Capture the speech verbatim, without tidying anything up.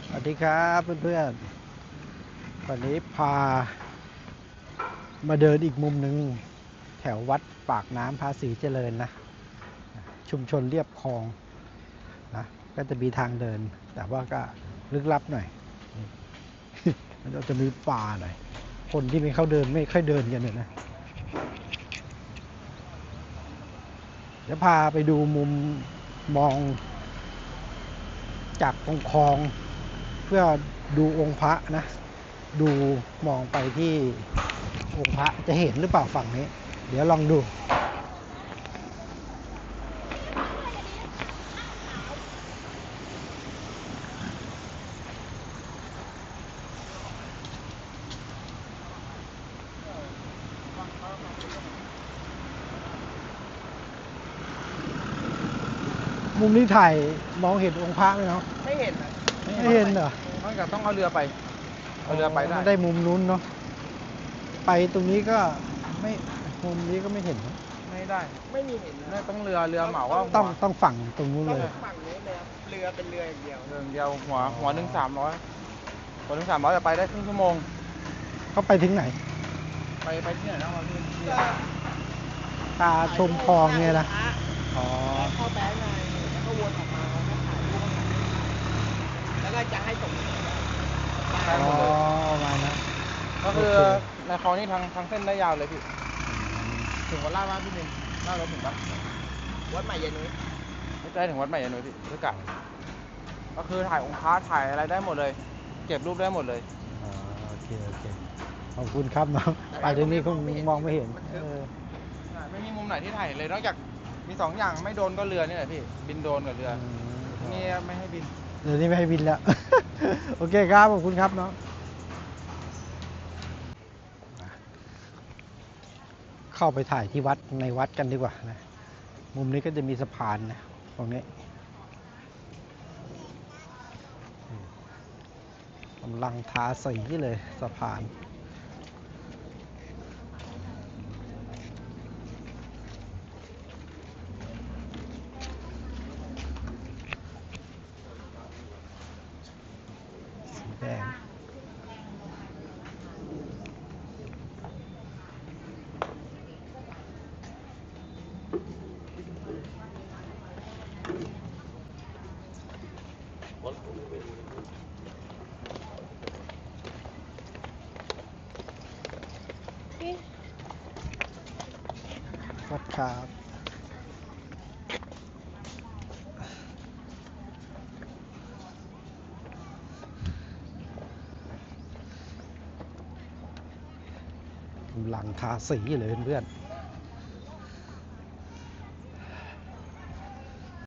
สวัสดีครับเพื่อนๆวันนี้พามาเดินอีกมุมหนึ่งแถววัดปากน้ำภาษีเจริญนะชุมชนเรียบคลองนะก็จะมีทางเดินแต่ว่าก็ลึกลับหน่อยมันจะมีป่าหน่อยคนที่ไม่เข้าเดินไม่ค่อยเดินกันเนี่ยนะเดี๋ยวพาไปดูมุมมองจากตรงคลองเพื่อดูองค์พระนะดูมองไปที่องค์พระจะเห็นหรือเปล่าฝั่งนี้เดี๋ยวลองดูมุมนี้ถ่ายมองเห็นองค์พระไหมเนาะไม่เห็นนะไม่เห็นเหรอนอกจากต้องเอาเรือไปเอาเรือไปได้ได้มุมนู้นเนาะไปตรงนี้ก็ไม่มุมนี้ก็ไม่เห็นไม่ได้ไม่มีเห็นนะต้องเรือเรือเหมาว่าต้องต้องฝั่งตรงนู้นเลยฝั่งนี้เลยเรือเป็นเรืออย่างเดียวเรือเดียวหัวหัวหนึ่งสามร้อยหัวหนึ่งสามร้อยจะไปได้ครึ่งชั่วโมงเขาไปถึงไหนไปไปที่ไหนนะพี่ตาชมคลองเนี่ยนะอ๋อเข้าแบงค์ไงแล้วก็วนออกมาแล้วก็ถ่ายรูปแล้วก็จะให้ส่งอ๋อมานะก็คือในคลองนี้ทางทางเส้นได้ยาวเลยพี่ถึงวัดลาดบ้านพี่นึงลาดรถถึงปะวัดใหม่เย็นนุ้ยไม่ใช่ถึงวัดใหม่เย็นนุ้ยพี่ด้วยกันก็คือถ่ายองค์พระถ่ายอะไรได้หมดเลยเก็บรูปได้หมดเลยอ๋อโอเคโอเคขอบคุณครับน้องไปตรงนี้คงมองไม่เห็นไม่มีมุมไหนที่ถ่ายเลยนอกจากมีสองอย่างไม่โดนก็เรือนี่แหละพี่บินโดนกับเรือนี่ไม่ให้บินเดี๋ยวนี้ไม่ให้บินแล้วโอเคครับขอบคุณครับน้องเข้าไปถ่ายที่วัดในวัดกันดีกว่านะมุมนี้ก็จะมีสะพานนะตรงนี้กำลังทาสีเลยสะพานสีแดงวัดครับกำลังทาสีเลยเพื่อนๆ